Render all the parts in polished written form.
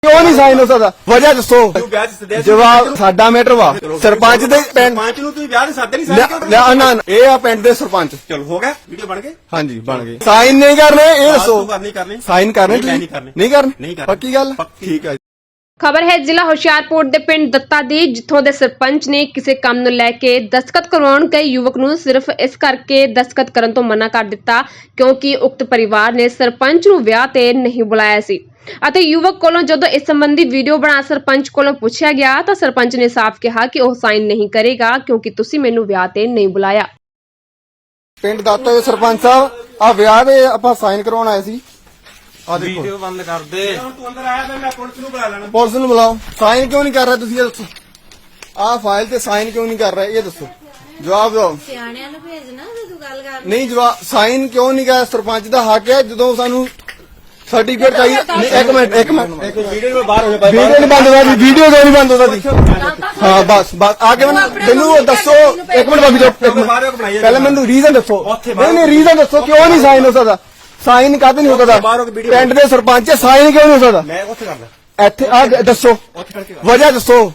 क्यों नहीं साइन हो सकता? वजह दसो। जवाब साडा मैटर वा सरपंच दे सरपंच ਨੂੰ ਤੁਸੀਂ ਵਿਆਹ ਦੇ ਸਾਦੇ ਨਹੀਂ ਸਾਈਨ ਕਰਦੇ ना ये आ पिंड दे सरपंच। ਚਲੋ ਹੋ ਗਿਆ ਵੀਡੀਓ ਬਣ ਗਈ हाँ जी बन गई। साइन नहीं करने ये दसो। ਕਰਨੀ ਕਰਨੀ साइन करने नहीं करने। नहीं करने नहीं करने। पक्की गल ठीक है। ਖਬਰ ਹੈ ਜ਼ਿਲ੍ਹਾ ਹੁਸ਼ਿਆਰਪੁਰ ਦੇ ਪਿੰਡ ਦੱਤਾ ਦੀ, ਜਿੱਥੋਂ ਦੇ ਸਰਪੰਚ ਨੇ ਕਿਸੇ ਕੰਮ ਨੂੰ ਲੈ ਕੇ ਦਸਤਖਤ ਕਰਵਾਉਣ ਗਏ ਯੁਵਕ ਨੂੰ ਸਿਰਫ ਇਸ ਕਰਕੇ ਦਸਤਖਤ ਕਰਨ ਤੋਂ ਮਨਾ ਕਰ ਦਿੱਤਾ ਕਿਉਂਕਿ ਉਕਤ ਪਰਿਵਾਰ ਨੇ ਸਰਪੰਚ ਨੂੰ ਵਿਆਹ ਤੇ ਨਹੀਂ ਬੁਲਾਇਆ ਸੀ ਅਤੇ ਯੁਵਕ ਕੋਲੋਂ ਜਦੋਂ ਇਸ ਸੰਬੰਧੀ ਵੀਡੀਓ ਬਣਾ ਸਰਪੰਚ ਕੋਲੋਂ ਪੁੱਛਿਆ ਗਿਆ ਤਾਂ ਸਰਪੰਚ ਨੇ ਸਾਫ਼ ਕਿਹਾ ਕਿ ਉਹ ਸਾਈਨ ਨਹੀਂ ਕਰੇਗਾ ਕਿਉਂਕਿ ਤੁਸੀਂ ਮੈਨੂੰ ਵਿਆਹ ਤੇ ਨਹੀਂ ਬੁਲਾਇਆ। ਪਿੰਡ ਦਾਤਾ ਦੇ ਸਰਪੰਚ ਸਾਹਿਬ ਆ ਵਿਆਹ ਦੇ ਆਪਾਂ ਸਾਈਨ ਕਰਵਾਉਣ ਆਏ ਸੀ। ਆ ਦੇਖੋ ਵੀਡੀਓ ਬੰਦ ਕਰ ਦੇ ਤੂੰ ਅੰਦਰ ਆਇਆ ਤਾਂ ਮੈਂ ਪੁਲਿਸ ਨੂੰ ਬੁਲਾ ਲੈਣਾ। ਪੁਲਿਸ ਨੂੰ ਬੁਲਾਓ। ਸਾਈਨ ਕਿਉਂ ਨਹੀਂ ਕਰ ਰਹੇ ਤੁਸੀਂ ਇਹ ਦੱਸੋ। ਆਹ ਫਾਈਲ ਤੇ ਸਾਈਨ ਕਿਉਂ ਨਹੀਂ ਕਰ ਰਹੇ ਇਹ ਦੱਸੋ। ਜਵਾਬ ਦਿਓ। ਸਿਆਣਿਆਂ ਨੂੰ ਭੇਜਣਾ ਤੇ ਤੂੰ ਗੱਲ ਕਰ ਨਹੀਂ ਜਵਾਬ ਸਾਈਨ ਕਿਉਂ ਨਹੀਂ ਕਰ? ਸਰਪੰਚ ਦਾ ਹੱਕ ਹੈ ਜਦੋਂ ਸਾਨੂੰ ਸਰਟੀਫਿਕੇਟ ਚਾਹੀਦਾ। ਨਹੀਂ, ਇੱਕ ਮਿੰਟ ਵੀਡੀਓ ਵਿੱਚ ਬਾਹਰ ਹੋ ਜਾ ਵੀਡੀਓ ਨਹੀਂ ਬੰਦ ਹੋਦਾ ਵੀਡੀਓ ਕਿਉਂ ਨਹੀਂ ਬੰਦ ਹੋਦਾ? ਹਾਂ ਬਸ ਆ ਕੇ ਮੈਨੂੰ ਦੱਸੋ। ਇੱਕ ਮਿੰਟ ਬਾਬੀ ਜੀ ਪਹਿਲਾਂ ਮੈਨੂੰ ਰੀਜ਼ਨ ਦੱਸੋ। ਨਹੀਂ ਰੀਜ਼ਨ ਦੱਸੋ ਕਿਉਂ ਨਹੀਂ ਸਾਈਨ ਹੋ ਸਕਦਾ? ਸਾਈਨ ਕਾਹਦੇ ਨਹੀਂ ਹੋ ਸਕਦਾ? ਪਿੰਡ ਦੇ ਸਰਪੰਚ ਸਾਈਨ ਕਿਉਂ ਨਹੀਂ ਹੋ ਸਕਦਾ? ਮੈਂ ਉੱਥੇ ਕਰਦਾ ਇੱਥੇ ਆ ਦੱਸੋ ਉੱਥੇ ਕਰਕੇ ਵਜ੍ਹਾ ਦੱਸੋ।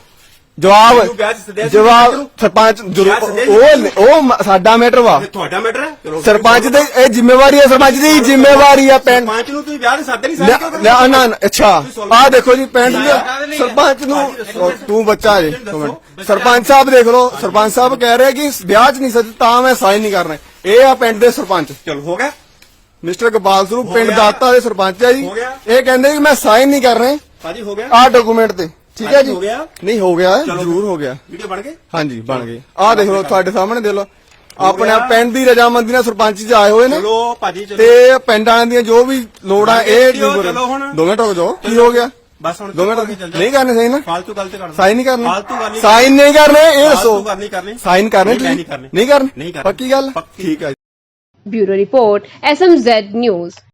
ਜਵਾਬ ਸਰਪੰਚ ਉਹ ਸਾਡਾ ਮੈਟਰ ਵਾ ਤੁਹਾਡਾ ਮੈਟਰ ਹੈ। ਚਲੋ ਸਰਪੰਚ ਦੇ ਇਹ ਜ਼ਿੰਮੇਵਾਰੀ ਹੈ। ਸਰਪੰਚ ਦੀ ਜ਼ਿੰਮੇਵਾਰੀ ਹੈ। ਪਿੰਡ ਸਰਪੰਚ ਨੂੰ ਤੁਸੀਂ ਵਿਆਹ ਦੇ ਸਾਦੇ ਨਹੀਂ ਸਾਈਨ ਕਰਦੇ ਨਾ ਅੱਛਾ ਆ ਦੇਖੋ ਜੀ ਪਿੰਡ ਦੇ ਸਰਪੰਚ ਨੂੰ ਤੂੰ ਬੱਚਾ ਜੇ ਸਰਪੰਚ ਸਾਹਿਬ ਦੇਖ ਲਓ। ਸਰਪੰਚ ਸਾਹਿਬ ਕਹਿ ਰਹੇ ਕਿ ਵਿਆਹ 'ਚ ਨਹੀਂ ਸੱਜ ਤਾਂ ਮੈਂ ਸਾਈਨ ਨਹੀਂ ਕਰਨਾ। ਇਹ ਆ ਪਿੰਡ ਦੇ ਸਰਪੰਚ ਚਲੋ ਹੋ ਗਿਆ ਮਿਸਟਰ ਗੋਪਾਲ ਸਰੂਪ ਪਿੰਡ ਦਾਤਾ ਦੇ ਸਰਪੰਚ ਹੈ ਜੀ। ਇਹ ਕਹਿੰਦੇ ਕਿ ਮੈਂ ਸਾਈਨ ਨਹੀਂ ਕਰ ਰਹੇ ਭਾਜੀ ਹੋ ਗਿਆ ਆਹ ਡਾਕੂਮੈਂਟ ਤੇ। ਠੀਕ ਹੈ ਜੀ ਹੋ ਗਿਆ ਨਹੀਂ ਹੋ ਗਿਆ ਜ਼ਰੂਰ ਹੋ ਗਿਆ। ਵੀਡੀਓ ਬਣ ਗਈ ਹਾਂਜੀ ਬਣ ਗਈ। ਆਹ ਦੇਖ ਲਓ ਤੁਹਾਡੇ ਸਾਹਮਣੇ ਦੇਖ ਲਓ ਆਪਣੇ ਪਿੰਡ ਦੀ ਰਜਾਮੰਦੀ ਨਾਲ ਸਰਪੰਚ ਜੀ ਆਏ ਹੋਏ ਨੇ ਚਲੋ ਭਾਜੀ ਚਲੋ ਤੇ ਪਿੰਡ ਵਾਲਿਆਂ ਦੀਆਂ ਜੋ ਵੀ ਲੋੜਾਂ ਇਹ ਚਲੋ ਹੁਣ 2 ਮਿੰਟ ਰੁਕ ਜਾਓ। ਕੀ ਹੋ ਗਿਆ? ਬਸ ਹੁਣ 2 ਮਿੰਟ ਨਹੀਂ ਕਰਨੇ ਸਹੀ ਨਾ ਫालतू ਗੱਲ ਤੇ ਕਰਨਾ ਸਾਈਨ ਨਹੀਂ ਕਰਨੇ ਫालतू ਗੱਲ ਨਹੀਂ ਸਾਈਨ ਨਹੀਂ ਕਰਨੇ ਇਹ ਦੱਸੋ। ਫालतू ਗੱਲ ਨਹੀਂ ਕਰਨੀ ਸਾਈਨ ਕਰਨੇ ਨਹੀਂ ਤੁਸੀਂ ਕਰਨੇ ਨਹੀਂ ਕਰਨੇ ਨਹੀਂ ਕਰਨੇ ਪੱਕੀ ਗੱਲ ਪੱਕੀ। ਠੀਕ ਹੈ। Bureau report SMZ news.